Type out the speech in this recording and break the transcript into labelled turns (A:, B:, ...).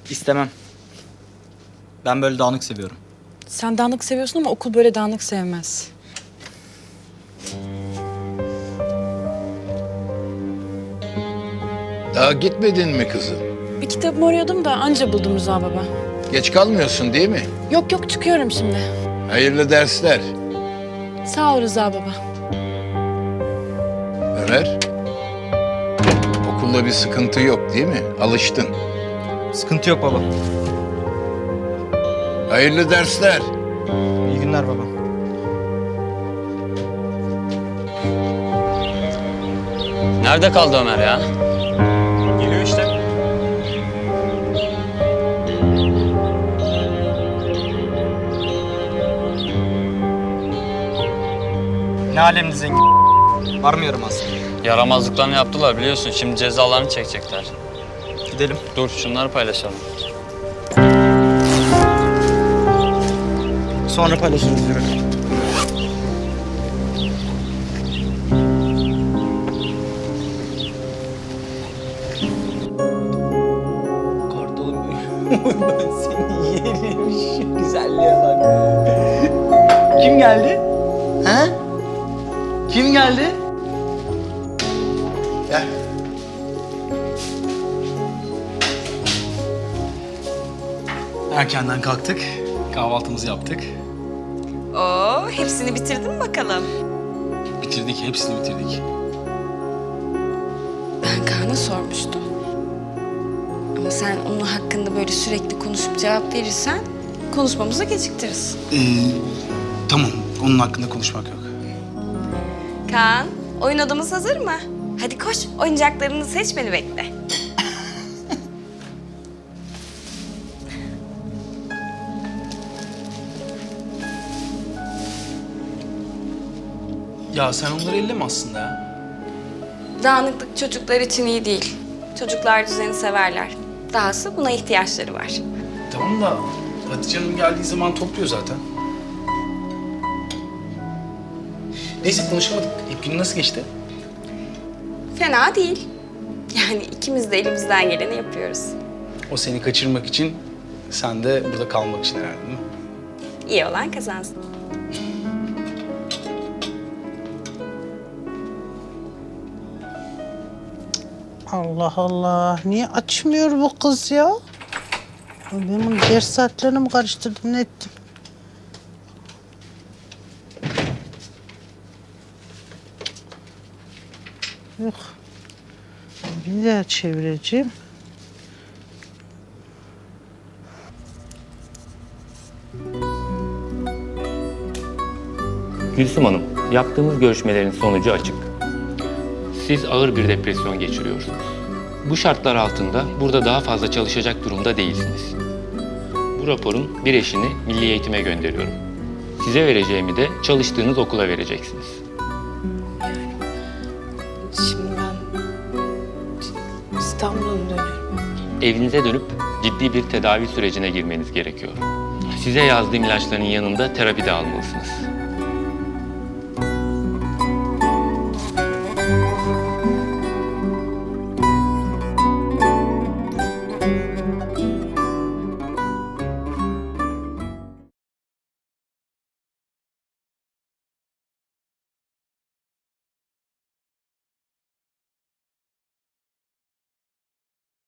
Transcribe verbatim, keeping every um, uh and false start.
A: İstemem. Ben böyle dağınık seviyorum.
B: Sen dağınık seviyorsun ama okul böyle dağınık sevmez.
C: Daha gitmedin mi kızım?
B: Bir kitabımı arıyordum da anca buldum Rıza baba.
C: Geç kalmıyorsun değil mi?
B: Yok yok çıkıyorum şimdi.
C: Hayırlı dersler.
B: Sağ ol Rıza baba.
C: Ömer. Okulda bir sıkıntı yok değil mi? Alıştın.
A: Sıkıntı yok baba.
C: Hayırlı dersler.
A: İyi günler baba.
D: Nerede kaldı Ömer ya?
A: Geliyor işte. Ne alemli zengin. Var mı yaramaz?
D: Yaramazlıklarını yaptılar biliyorsun. Şimdi cezalarını çekecekler.
A: Gidelim.
D: Dur şunları paylaşalım.
A: Sonra paylaşırız yürü. Kartalım ben seni yerim. Şu güzelliğe bak. Kim geldi? Ha? Kim geldi?
C: Gel.
A: Erkenden kalktık. Kahvaltımızı yaptık.
E: Oo, hepsini bitirdin mi bakalım?
A: Bitirdik, hepsini bitirdik.
E: Ben Kaan'a sormuştum. Ama sen onun hakkında böyle sürekli konuşup cevap verirsen konuşmamızı geciktiririz.
F: Ee, tamam, onun hakkında konuşmak yok.
E: Kaan, oyun odamız hazır mı? Hadi koş, oyuncaklarını seç, beni bekle.
F: Ya sen onları elleme aslında ya.
E: Dağınıklık çocuklar için iyi değil. Çocuklar düzeni severler. Dahası buna ihtiyaçları var.
F: Tamam da Hatice Hanım geldiği zaman topluyor zaten. Neyse konuşamadık. İlk günü nasıl geçti?
E: Fena değil. Yani ikimiz de elimizden geleni yapıyoruz.
F: O seni kaçırmak için, sen de burada kalmak için herhalde değil mi?
E: İyi olan kazansın.
G: Allah Allah. Niye açmıyor bu kız ya? Ben bunu ders saatlerini mi karıştırdım, ne ettim? Yok. Bir daha çevireceğim.
H: Gülsüm Hanım, yaptığımız görüşmelerin sonucu açık. Siz ağır bir depresyon geçiriyorsunuz. Bu şartlar altında burada daha fazla çalışacak durumda değilsiniz. Bu raporun bir eşini milli eğitime gönderiyorum. Size vereceğimi de çalıştığınız okula vereceksiniz.
B: Şimdi ben İstanbul'a mı dönüyorum?
H: Evinize dönüp ciddi bir tedavi sürecine girmeniz gerekiyor. Size yazdığım ilaçların yanında terapi de almalısınız.